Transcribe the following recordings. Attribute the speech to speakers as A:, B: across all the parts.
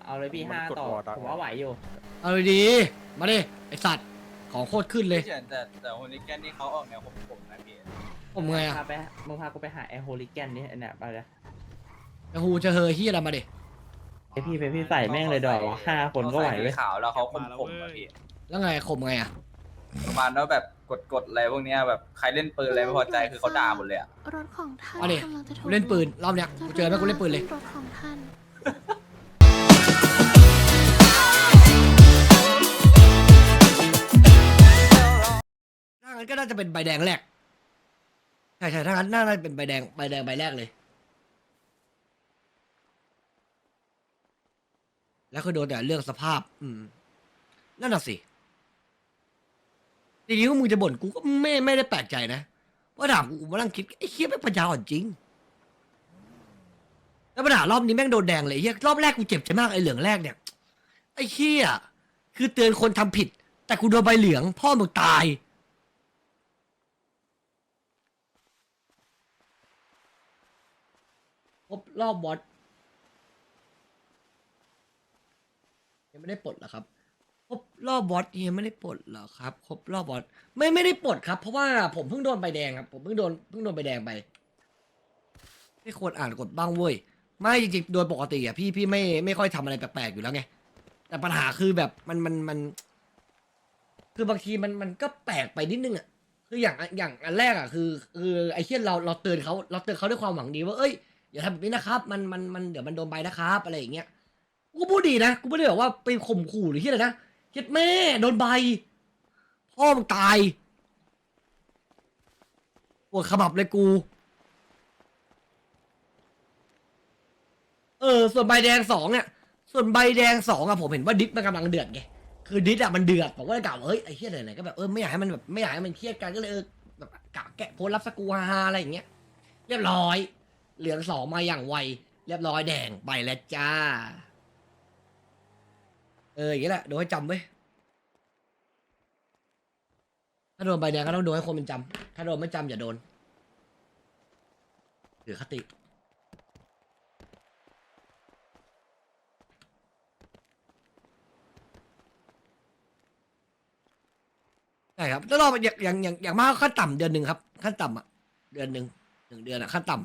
A: เอาเลยพี่5 ต่อผมว่าไหวอยู่
B: เอาดีมาดิไอสัตว์ของโคตรขึ้นเลย
C: เฉยแต่คนนี้แกนนี่เขาออกแนวผมนะพี่
B: ผมไงอะ
A: มึงพากูไปหาไอโฮลิแกนนี่เนี่ยไปเลย
B: ไอฮูจะเฮอที่อะไรมาดิ
A: ไอพี่ใส่แม่งเลยดอก5 คนก็ไหวเลย
C: ขาวแล้วเขาข่มๆอะพี่
B: แล้วไงข่มไงอะ
C: ประมาณว่าแบบกดอะไรพวกเนี้ยแบบใครเล่นปืนอะไรไม่พอใจคือเขาด่าหมดเลยอะ
D: รถของท่าน
B: มาดิ
D: กำลังจะถู
B: กู
D: ก
B: เล่นปืนรอบเนี้ยกูเจอไหมกูเล่นปืนเลย
D: รถของท่าน
B: ถ้างั้นก็น่าจะเป็นใบแดงแรกใช่ถ้างั้นน่าจะเป็นใบแดงใบแรกเลยแล้วคือโดนแต่เรื่องสภาพนั่นน่ะสิทีนี้ว่ามึงจะบ่นกูก็ไม่ได้แปลกใจนะว่าถามกูมานั่งคิดไอ้เคี้ยแม่งปัญญาอ่อนจริงแล้วปัญหารอบนี้แม่งโดนแดงเลยไอ้เฮียรอบแรกกูเจ็บใจมากไอ้เหลืองแรกเนี่ยไอ้เคี้ยคือเตือนคนทำผิด แต่กูโดนใบเหลืองพ่อมึงตายครบรอบบอสยังไม่ได้ปลดเหรอครับครบรอบบอสยังไม่ได้ปลดเหรอครับครบรอบบอสไม่ได้ปลดครับเพราะว่าผมเพิ่งโดนใบแดงครับผมเพิ่งโดนใบแดงไปไม่ควรอ่านกฎบ้างเว้ยไม่จริงๆโดยปกติอ่ะพี่ไม่ค่อยทำอะไรแปลกๆอยู่แล้วไงแต่ปัญหาคือแบบมันคือบางทีมันก็แปลกไปนิดนึงอ่ะคืออย่างอันแรกอ่ะคือไอ้เช่นเราเตือนเขาด้วยความหวังดีว่าเอ้ยอย่าทำแบบนี้นะครับมันเดี๋ยวมันโดนใบนะครับอะไรอย่างเงี้ยกูก็พูดดีนะกูไม่ได้แบบว่าไปข่มขู่หรือที่อะไรนะเฮ็ดแม่โดนใบพ่อมึงตายปวดขมับเลยกูส่วนใบแดงสองเนี่ยส่วนใบแดงสองอะผมเห็นว่าดิสมันกำลังเดือดไงคือดิสอะมันเดือดผมก็เลยกล่าวว่าเฮ้ยไอ้เหี้ยไหนๆก็แบบไม่อยากให้มันแบบไม่อยากให้มันเครียดกันก็เลยแบบกะแกะโพสต์รับสกูฮาๆอะไรอย่างเงี้ยเรียบร้อยเหลืองสองมาอย่างไวเรียบร้อยแดงไปแล้วจ้าอย่างเงี้ยแหละโดนให้จำไว้ยถ้าโดนใบแดงก็ต้องโดนให้คนมันจำถ้าโดนไม่จำอย่าโดนถือคติใช่ครับแล้วเราอย่างมากขั้นต่ำเดือนหนึ่งครับขั้นต่ำอ่ะเดือนหนึ่ง1 เดือนอ่ะขั้นต่ำ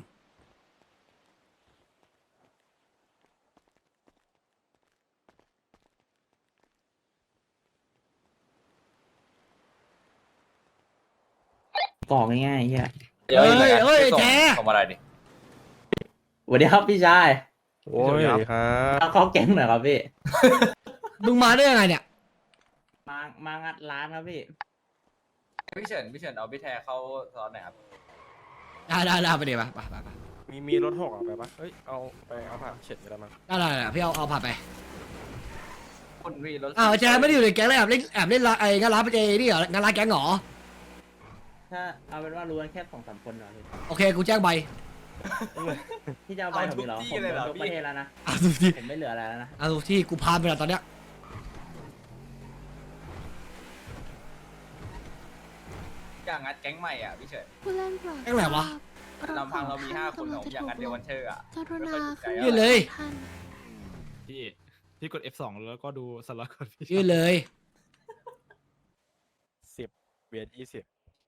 A: กรอกง่ายๆเฮีย
B: เฮ้ยแท้
C: ส่งอะไรดิ
A: สวัสดีครับพี่ชาย
E: โอ้ยครับ
A: เอาเข้าแก๊งหน่อยครับพี่
B: มึงมาได้ยังไงเนี่ย
A: มางัดร้านครับพี่
C: พี่เฉินเอาพี่แทเข้าซ้อนหน่อยครับ
B: ได้ไปเดี๋ยวไป
E: มีรถหกอ่ะไปปะเฮ้ยเอาผ่านเฉดไปแล้วมั้ง
B: ได้พี่เอาผ่านไป
C: คุณวีรถ
B: แจไม่ได้อยู่ในแก๊งเลยแอบเล่นไอ้งานร้านไปเจนี่เหรองานร้านแก๊งเหรอ
A: ถ้าเอาเป็นว่ารู้กันแค่2-3 คนเหรอพี่
B: โอเคกูแจ้งใบ
A: พี่จะเอาใบผมอีกเหรอผมโดนทุกประเทศแล้วนะ
B: เอาทุกที่
A: ผมไม่เหลืออะไรแล้วนะ
B: เอาทุกที่กูพานไปแล้วตอนเนี้ย
C: อย่างงัดแก๊งใหม่อ่ะพี่เฉิน
D: ผู้เล่นโปรด
B: แก๊งไหนวะ
C: ลำพังเรามี5 คนผมอย่างงัดเดียววันเชอร์อ่ะ
D: กรุณาขึ้น
B: ยื่นเลย
D: ท่าน
F: พี่กด F2 แล้วก็ดูสล็อตก่อนพี่
B: ยื่นเลย
E: 10 เวียด20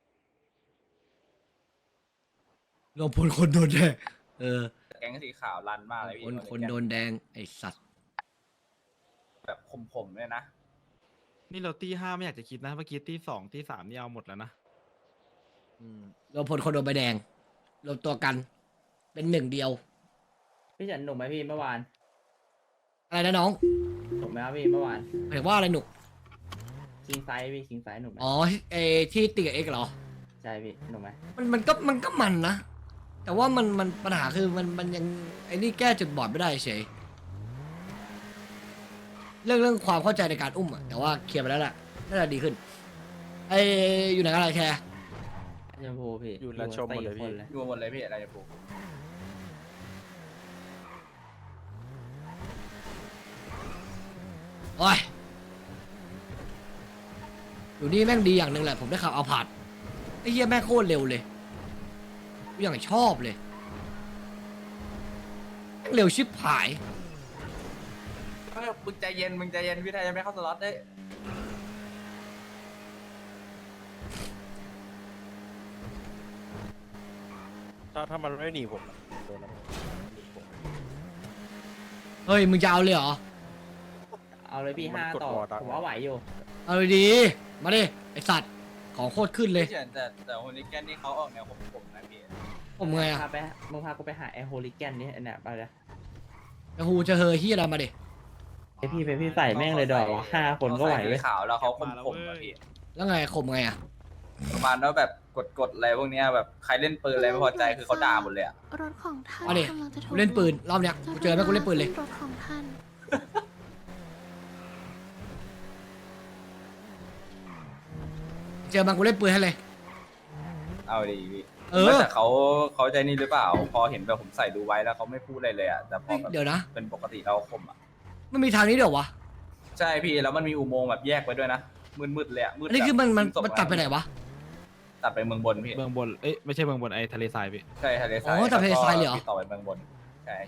B: รวมพลคนโดนแดง
C: แก๊งสีขาวรันมากเลยพี่
B: คนโดนแดงไอ้สัตว์
C: แบบข่มๆเลยนะ
F: นี่เราตี5ไม่อยากจะคิดนะเมื่อกี้ตี2ตี3นี่เอาหมดแล้วนะ
B: รวมพลคนโดนใบแดงรวมตัวกัน เป็นหนึ่งเดียว
A: พี่เฉินหนุ่มไหมพี่เมื่อวาน
B: อะไรนะน้อง
A: หนุ่มไหมครับพี่เมื่อวาน
B: หมายว่าอะไรหนุก
A: คิงไซส์พี่คิงไซส์หนุ่มไหม
B: อ๋อที่ตีกับเอ็กซ์เหรอ
A: ใช่พี่หนุ่มไหม
B: มันก็มันนะ แต่ว่ามันปัญหาคือมันยังไอ้นี่แก้จุดบอดไม่ได้เฉยเรื่องความเข้าใจในการอุ้มอะแต่ว่าเคลียร์ไปแล้วแหละน่าจะดีขึ้นอยู่ไหนกันอะไรแคร์
A: ชมพูพี่
E: อยู่ร้านชมหมดเลยพี่
C: อยู่หมดเลยพี่อะไรจะปลูก
B: โอ้ยอยู่นี่แม่งดีอย่างหนึ่งแหละผมได้ข่าวเอาผาดไอ้เหี้ยแม่งโคตรเร็วเลยกูอย่างชอบเลยแม่งเร็วชิบหาย
C: มึงใจเย็นพี่ไทยยังไม่เข้าสล็อตได้
E: ถ้ามันไม่หนีผมอะโดนแล้ว
B: เฮ้ยมึงจะเอาเลยเหรอ
A: เอาเลยพี่ห้าต่อผมว่าไหวอยู่
B: เอาเลยดีมาดิไอสัตว์ของโคตรขึ้นเลย
C: พี่เฉินแต่โฮลิแกนนี่เขาออกแนวผมนะพี่
B: ผมไงอะ
A: มึงพากูไปหาไอโฮลิแกนนี่เนี่ยไปเลย
B: ไอฮูจะเฮอเฮียอะไรมาดิ
A: ไอพี่ใส่แม่งเลยดอก5 คนก็ไหว
C: เขา
A: เว้
C: ใส่
A: ย
C: สีขาวแล้วเขาข่มๆอะพี่
B: แล้วไงข่มไงอะ
C: ประมาณว่าแบบกดอะไรพวกเนี้ยแบบใครเล่นปืนอะไรไม่พอใจคือเขาด่าหมดเลยอะ
D: รถของท่าน
B: มาดิ
D: กำลังจะถู
B: กูเล่นปืนรอบเนี้ยกูเจอไหมกูเล่นปืนเลย
D: รถของท่าน
B: เจอมันกูเล่นปืนให้เลย
C: เอาดีพี่
B: เออ
C: แต่เขาใจนี่หรือเปล่า พอเห็นแบบผมใส่ดูไว้แล้วเขาไม่พูดอะไรเลยอะแต่พอแบบ
B: เดี๋ยวนะ
C: เป็นปกติเราข่มอะ
B: มันมีทางนี้เดี๋ยววะ
C: ใช่พี่แล้วมันมีอุโมงค์แบบแยกไว้ด้วยนะมืดๆเลยอะมืด
B: อันนี้คือมัน
C: แบบ
B: ตัดไปไหนวะ
C: ตัดไปเมืองบนพี่
F: เมืองบนเอ้ยไม่ใช่เมืองบนไอ้ทะเลทรายพี่
C: ใช่ทะเลทราย
B: อ๋อตัดทะเลทรายเลยเหรอ
C: พี่ต่อไปเมืองบนใช่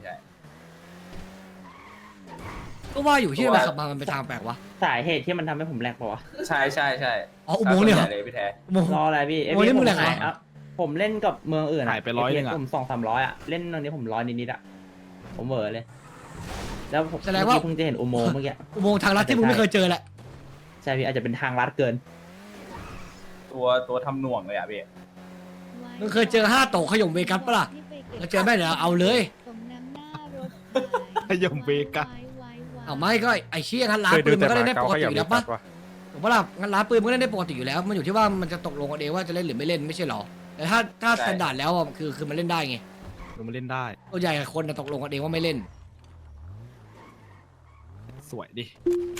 B: ก็ว่าอยู่ที่มันขับมามันไปทางแปลกวะ
A: สาเหตุที่มันทำให้ผมแหลกปะวะ
C: ใช่
B: อ๋ออุโมงค์เนี่ยเหรอ
C: ส่วใเลยพี่แท้
B: อุโมงค์
A: รออะไรพี่
B: โอ้ยนี่มึงแหลกเหรอ
A: อ่ะผมเล่นกับเมืองอื่น
F: หายไป100นึงอะ
A: ผม200-300อะเล่นตอนนี้ผม100นิดๆอะผมเหวอเลย แล้วผม
B: แสดงว่า
A: เพิ่งจะเห็นอุโมงค์เมื่อกี้
B: อุโมงค์ทางลัดที่มึงไม่เคยเจอแหละ
A: ใช่พี่อาจจะเป็นทางลัดเกิน
C: ตัวทำหน่วงเลยอ่ะพี่
B: มึงเคยเจอ5 โตขยมเวกัสปะล่ะแล้วเจอไหมเดี๋ยวเอาเลย
D: ตรงน้ำหน้ารถ
F: ขยมเวกัส
B: เอาไม่ก็ไอ้เชี่ยงั้นร้านปืนมันก็เล่นได้ปกติอยู่แล้วปะถูกปะล่ะงั้นร้านปืนมันก็เล่นได้ปกติอยู่แล้ว มันอยู่ที่ว่ามันจะตกลงกันเองว่าจะเล่นหรือไม่เล่นไม่ใช่หรอ แต่ถ้า
C: ใช่
B: สแตนดาร์ดแล้วอะคือมันเล่นได้ไง
F: ดูมันเล่นได้
B: ตัวใหญ่คนน่ะตกลงกันเองว่าไม่เล่น
F: สวยดิ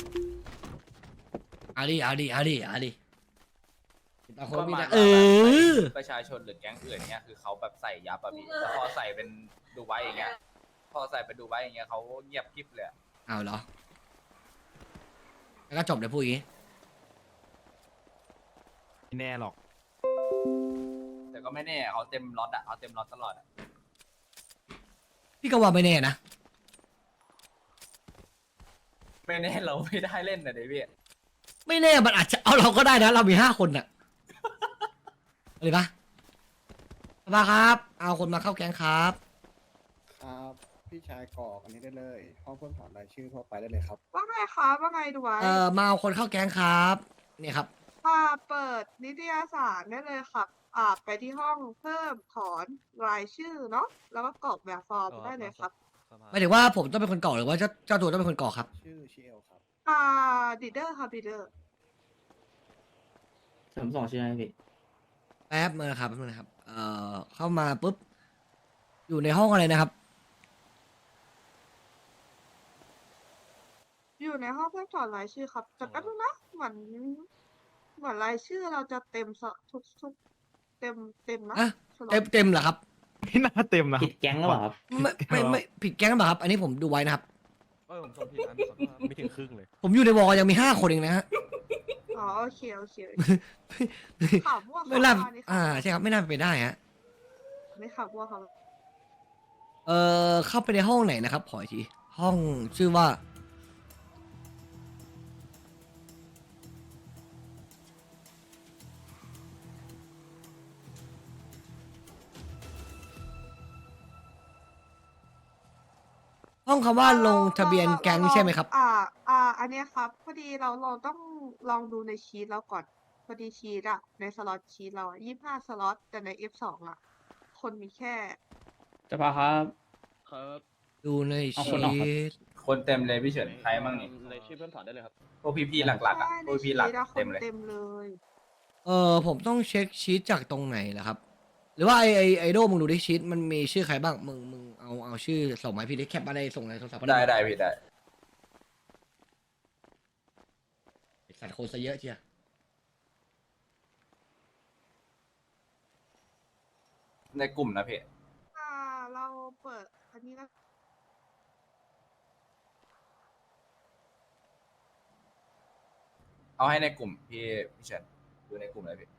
B: เอาดิตาคนมีแต่
C: ประชาชนหรือแก๊งอื่นเนี้ยคือเขาแบบใส่ยับอะพี่แต่พอใส่เป็นดูไว้อย่างเงี้ยพอใส่เป็นดูไว้อย่างเงี้ยเขาเงียบกริบเลยอะ
B: เอาเหรอ แล้วก็จบเลยพูดอย่างงี้
F: ไม่แน่หรอก
C: แต่ก็ไม่แน่เขาเต็มล็อตอะเขาเต็มล็อตตลอดอะ
B: พี่ก็ว่าไม่แน่นะ
C: ไม่แน่เราไม่ได้เล่นนะเดวี่
B: ไม่แน่มันอาจจะเอาเราก็ได้นะ เรามี5 คนน่ะอะไรปะมาครับ เอาคนมาเข้าแก๊งครับ
G: ครับพี่ชายกรอกอันนี้ได้เลย ห้องเพิ่มถอนรายชื่อทั่วไปได้เลยครับ
H: ว่าไงครับว่าไงดูไว้
B: มาเอาคนเข้าแก๊งครับเนี่ยครับ
H: เปิดนิตยสารได้เลยครับไปที่ห้องเพิ่มถอนรายชื่อเนาะแล้วก็กรอกแบบฟอร์มได้เลยครับ
B: หมายถึงว่าผมต้องเป็นคนกรอกหรือว่าเจ้าตัวต้องเป็นคนกรอกครับ
G: ชื่อชิเอลครับ
H: ดีเดอร์ครับดีเดอร์
A: ผมส่งชื่อให้พี่
B: แป๊บนึงนะครับเข้ามาปุ๊บ อยู่ในห้องอะไรนะครับ
H: อยู่ในห้องเพิ่มถอนรายชื่อครับแต่แป๊บนึงนะเหมือนรายชื่อเราจะเต็มทุกเต็มนะ
B: อ่ะ
H: สล็อต
B: เต็มเหรอครับ
F: ไม่น่าเต็มนะ
A: ผิดแก๊งหรือเปล่าครับ
B: ไม่ผิดแก๊งหรือเปล่าครับ อันนี้ผมดูไว้นะครับ
E: ผมส่งผิดอันไม่ถึงครึ่งเลย
B: ผมอยู่ในวอลยังมี5 คนเองนะฮะ
H: อ๋อโอเคข่าวมั่ว
B: ไม่น่า
H: ข่าวนี่ข่าว
B: ใช่ครับไม่น่าเป็นไปได้ฮะ
H: ไม่ข่าวมั่วครับ
B: เข้าไปในห้องไหนนะครับ ขออีกที ห้องชื่อว่า ห้องคำว่าลงทะเบียนแก๊งใช่ไหมครับ
H: อันเนี้ยครับ พอดีเราต้องลองดูในชีตเราก่อน พอดีชีตอะในสล็อตชีตเราอะ25 สล็อต แต่ใน F2 อะคนมีแค่
A: จะพาครับ
B: ดูใน
A: เอาค
B: ชี
A: นออกครับ
B: ต
C: คนเต็มเลยพี่เฉินใครมั่งนี่
G: ในชื่อเพิ่มถอนได้เลยครับ
C: พวกพี่ๆหลักๆอะ
H: ใช่
C: พวกพี่ๆหลัก
H: ในชีตอะค
C: เต็
H: น
C: มเลย
H: เต็มเลย
B: ผมต้องเช็คชีตจากตรงไหนล่ะครับ หรือว่าไอโดมึงดูดิชีตมันมีชื่อใครบ้าง มึงเอาชื่อส่งมาให้พี่ดิแคปมาได้ส่งในโทรศัพท์มา
C: ได้พี่ได้
B: สัตว์โคนซะเยอะเชีย
C: ในกลุ่มนะพี่
H: เราเปิดอันนี้แล้ว
C: เอาให้ในกลุ่มพี่เฉินดูในกลุ่มเลยพี่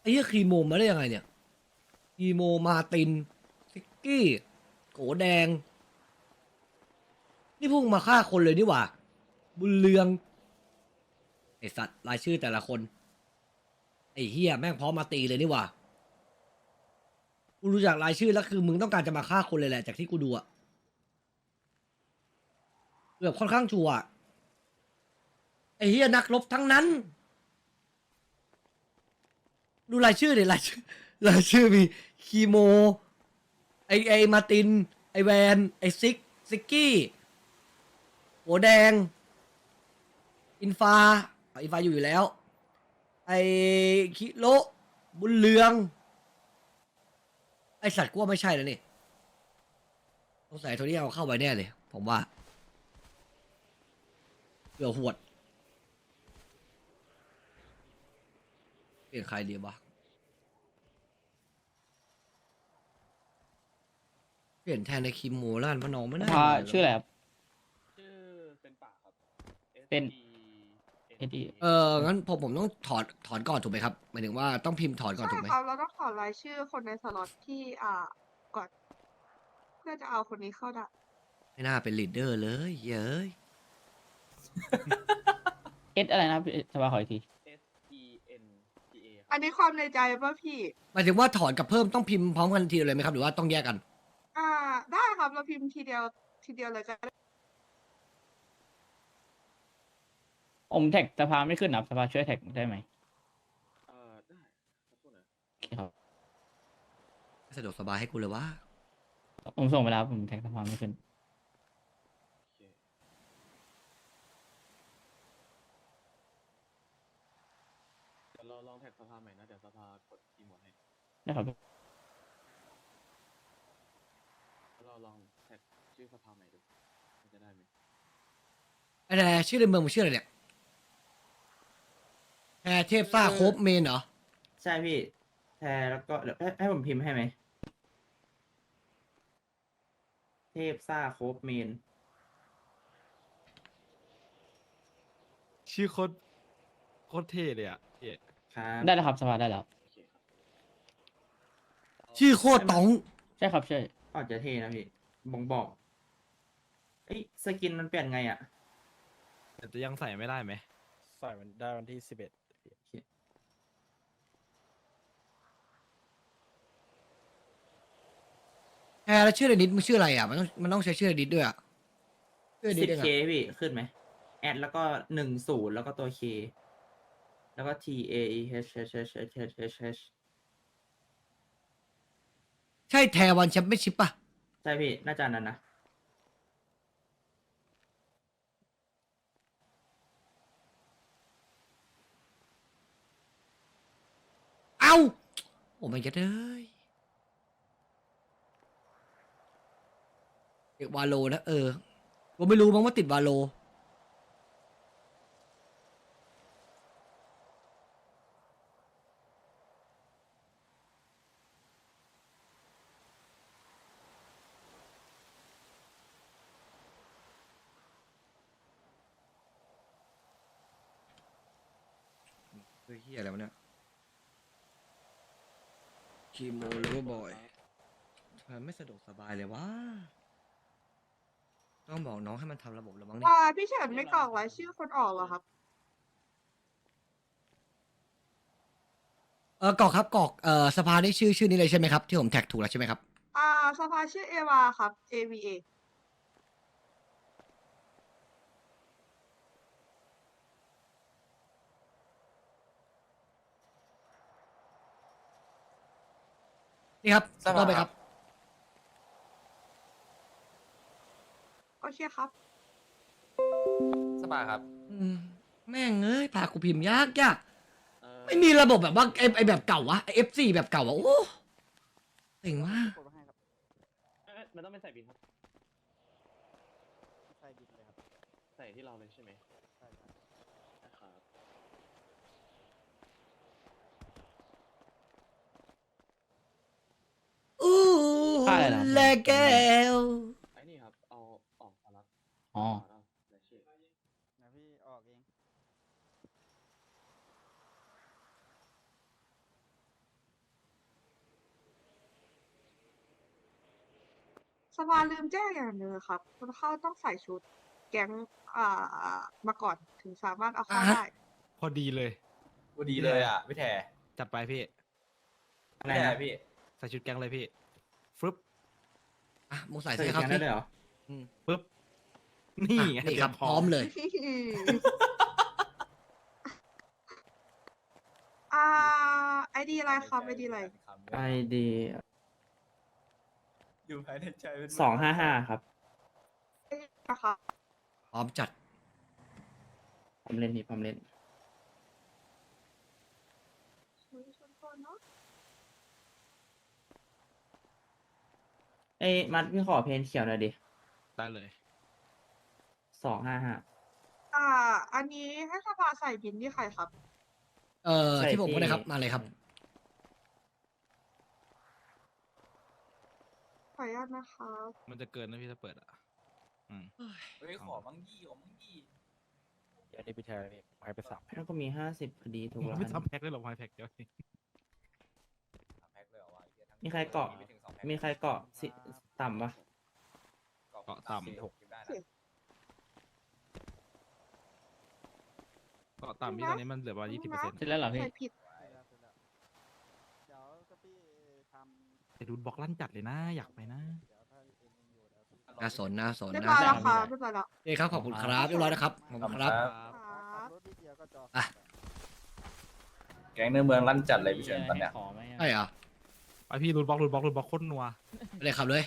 B: อ้เหี้ยคีโมมาได้ยังไงเนี่ยคีโมมาตินซิกกี้โกแดง นี่พุ่งมาฆ่าคนเลยนี่หว่า บุญเรืองไอสัตว์รายชื่อแต่ละคน ไอเฮียแม่งพร้อมมาตีเลยนี่หว่ากูรู้จักรายชื่อแล้วคือมึงต้องการจะมาฆ่าคนเลยแหละจากที่กูดูอะแบบค่อนข้างชัวร์อะไอเฮียนักรบทั้งนั้น ดูรายชื่อดิรายชื่อมีคีโม ไอมาติน ไอแวนไอซิกกี้หัวแดง อินฟาอยู่แล้ว ไอคิโลบุญเรือง ไอสัตว์กูว่าไม่ใช่แล้วนี่สงสัยโทนี่เอาเข้าไปแน่เลย ผมว่าเดี๋ยวหวด เปลี่ยนใครดีวะเปลี่ยนแทนในคิมโมล้านพะน้องไม่น่า
A: ชื่ออะไรครับ
E: ชื่อเป็นป่าครับ
A: เป็น SD
B: งั้นผมต้องถอนก่อนถูกไหมครับหมายถึงว่าต้องพิมพ์ถอนก่อน
H: ใช่
B: ถูกไหม
H: ครับเราต้องขอรายชื่อคนในสล็อตที่ก่อนเพื่อจะเอาคนนี้เข้าได้
B: ไม่น่าเป็นลีดเดอร์เลยเย้ย
A: S อะไรนะสภาขออีกที
E: SENTA
H: อันนี้ความในใจป่ะพี่
B: หมายถึงว่าถอนกับเพิ่มต้องพิมพ์พร้อมกันทีเดียวเลยไหมครับหรือว่าต้องแยกกัน
H: ได้ครับเราพิมพ์ทีเดียวเลยก็ได้
A: ผมแท็กสภาไม่ขึ้นนะสภาช่วยแท็กได้ไหม
E: ได้ครับพูดหน่อย
A: โอเคครับ
B: สะดวกสบายให้กูเลยว่า
A: ผมส่งไปแล้วผมแท็กสภาไม่ขึ้น
E: โอเคเดี๋ยวเราลองแท็กสภาใหม่นะ เดี๋ยวสภากดคีย์หมดให้
A: ได้ครับ
E: เราลองแท็กชื่อสภาใหม่ดูมันจะได้ไหม
B: อะไรชื่อในเมืองมันชื่ออะไรเนี่ยแพรเทพซ่าโคบเมนเหรอ
A: ใช่พี่แทแล้วก็เดี๋ยวให้ผมพิมพ์ให้ไหม เทพซ่าโคบเมน
F: ชื่อโคตรเท่เลยอ่ะเอ๊ะ
A: ครับ ได้แล้วครับสภาได้แล้ว
E: โอเคครับ
B: ชื่อโคตรต๋อง
A: ใช่ครับใช่อาจจะเท่นะพี่บอกเอ้ยสกินมันเปลี่ยนไงอ่ะ
F: แต่จะยังใส่ไม่ได้ไหม
E: ใส่มันได้วันที่11
B: แพรแล้วชื่อในดิสมันชื่ออะไรอ่ะมันต้องใช้ชื่อในดิสด้วยอ่ะชื่อในดิส
A: 10K
B: เองอะ
A: พี่ขึ้นไหมแอดแล้วก็10แล้วก็ตัว K แล้วก็ TAEH
B: ใช่แทวันแชมเปี้ยนชิพป่ะ
A: ใช่พี่น่าจะอันนั้นนะ
B: เอ้าโอ้ไม่ยัดเลยเด็กวาโลนะกูไม่รู้มั้งว่าติดวาโลเฮ้ยเฮียอะไรวะเนี่ยคีโมเลเวอร์บอยทำไมไม่สะดวกสบายเลยวะต้องบอกน้องให้มันทำระบบแล้วมั้งนี่
H: พี่เฉินไม่กรอกรายชื่อคนออกเหรอครับ
B: กรอกครับกรอกสภานี่ชื่อนี้เลยใช่ไหมครับที่ผมแท็กถูกแล้วใช่ไหมครับ
H: สภาชื่อเอวาครับ AVA
B: นี่ครับ
C: สภา
B: ต่อไปครับ
H: โอเคครับ
C: สภาครับ
B: แม่งเอ้ยพากูพิมพ์ยากไม่มีระบบแบบว่าไอแบบเก่าวะไอ F4 แบบเก่าอะโอ้เจ๋งมาก
E: มันต้องเป็นใส่บินครับ ใส่บินเลยครับ ใส่ที่เราเลยใช่ไหมใช่ครับครับ
B: อู้
A: ค่าอะไรนะครับ
B: แลแก้ว
E: ไอ้นี่ครับ เอาออกมารับ
A: อ๋อ
E: เอารายชื่อ
G: นะพี่ออกเอง
H: สภาลืมแจ้งอย่างหนึ่งครับคนเข้าต้องใส่ชุด แก๊งมาก่อนถึงสามารถเอาเข้าได้
F: พอดีเลย
C: พอดีเลยอ่ะพี่แท
F: จัดไปพี่
A: อะไร
C: พี่แท
A: นะ
C: พี่
F: ใส่ชุดแก๊งเลยพี่ฟึบ
B: อ่ะมึงใส่
A: ใส่
B: เสื้อครับ
A: แก๊งได้เลยเหรอ
F: ปึ๊บนี่
B: อ่ะ
F: ไง
B: นี่ครับ
F: ตย
B: พร้อมเลย
H: ไอดีอะไรครับไอดีอะไร
A: ไอดี
C: อยู่ภายในใจเป็น
A: 255 ครับ
H: นะครับ
B: พร้อมจัด
A: ผมเล่นนี่ผมเล่น เอ้ยมัดพี่ขอเพนเขียวหน่อยดิ
F: ได้เลย
A: 255
H: อันนี้ให้สภาใส่บินที่ใครครับ
A: ใส่
B: ที่ผมก็ได้
A: ที่
B: ครับมาเลยครับ
H: ขออนุญาตนะครับ
F: มันจะเกินนะพี่ถ้าเปิดอ่ะ
C: เฮ้ยขอมั่งยี่ขอมั่งยี่
I: อันนี้พี่แทนพี่ให้ไป3
A: แล้วก็มี 50พอดีถูก
F: ผม
A: แล้ว
F: ไม่ทำแพ็คได้หรอกไฮแพ็คเดียวเอง
C: แพ็คเลยเหรอวะเหี้ยทั้ง
A: มีใครเกาะ
C: ไม่ถึง2แพ็ค
A: มีใครเกาะสิต่ำปะ
F: เกาะต่ำ
C: 46กินได้นะ
F: ก็ตามที่ตอนนี้มันเหลือประมาณ20%
H: เสร็จแล้วเหรอพี่ใส่ผิด
G: เดี๋ยวก็พี่ทำ
F: แต่ดูบล็อกลั่นจัดเลยนะ อยากไปนะ
B: น่าสนน่าสน
H: เรียบ
B: น่า
H: ร้อย
B: ส
H: แล้ว
B: น
H: ครับเรียบร้อยแล้ว
B: นี่ครับขอบคุณครับเรียบร้อยนะครับขอบคุณครับ
H: ครับ
G: รถนิดเดียวก็จอ
B: อ่ะ
C: แก๊งในเมืองลั่นจัดเลยพี่เฉินตอนเนี้ย
B: ใช่เหรอ
F: ไปพี่รูดบล็อกโคตรนัว
B: ไปเลยครับเลย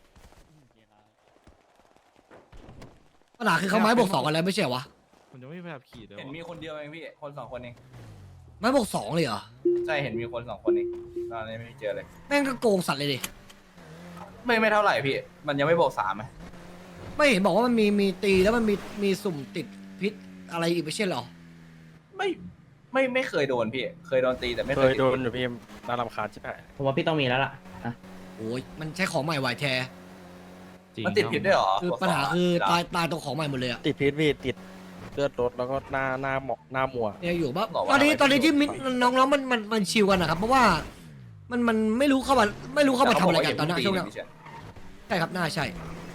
B: ปัญหาคือเขาไม้บวก 2กันแล้วไม่ใช่เหรอวะ
F: ผมจะไม่ไปแบบขี่เลย
C: เห็นมีคนเดียวเองพี่คน2คนเอง
B: ไม้บวก 2เลยเหรอ
C: ใช่เห็นมีคน2คนเองตอนนี้ไม่เจอเลย
B: แม่งก็โกงสัตว์เลยดิ
C: ไม่เท่าไหร่พี่ มันยังไม่บอก3ไหม
B: ไม่เห็นบอกว่ามันมีตีแล้วมันมีสุ่มติดพิษอะไรอีกไม่ใช่เหรอ
C: ไม่เคยโดนพี่ เคยโดนตีแต่ไม่
I: เค
C: เคย
I: ย
C: ติ
I: โดนอยู่พี่น่ารำคาญใช่ไหม
A: ผมว่าพี่ต้องมีแล้วล่ะอ่ะ
B: โอ้ยมันใช้ของใหม่ไหวแท
F: จริง
C: มันติดผิดด้วยเหรอ
B: คือปัญหาคือตายตรงของใหม่หมดเลยอะ
I: ติดพิษพี่ติดเลือดรถแล้วก็หน้าหมอกหน้ามัว
B: เนี่ยอยู่บ้าตอนนี้ที่น้องๆมันชิวกันนะครับ เพราะว่ามันไม่รู้เข้ามาทำอะไรกันตอนนั้นช่วงนั้นใช่ครับน่าใช่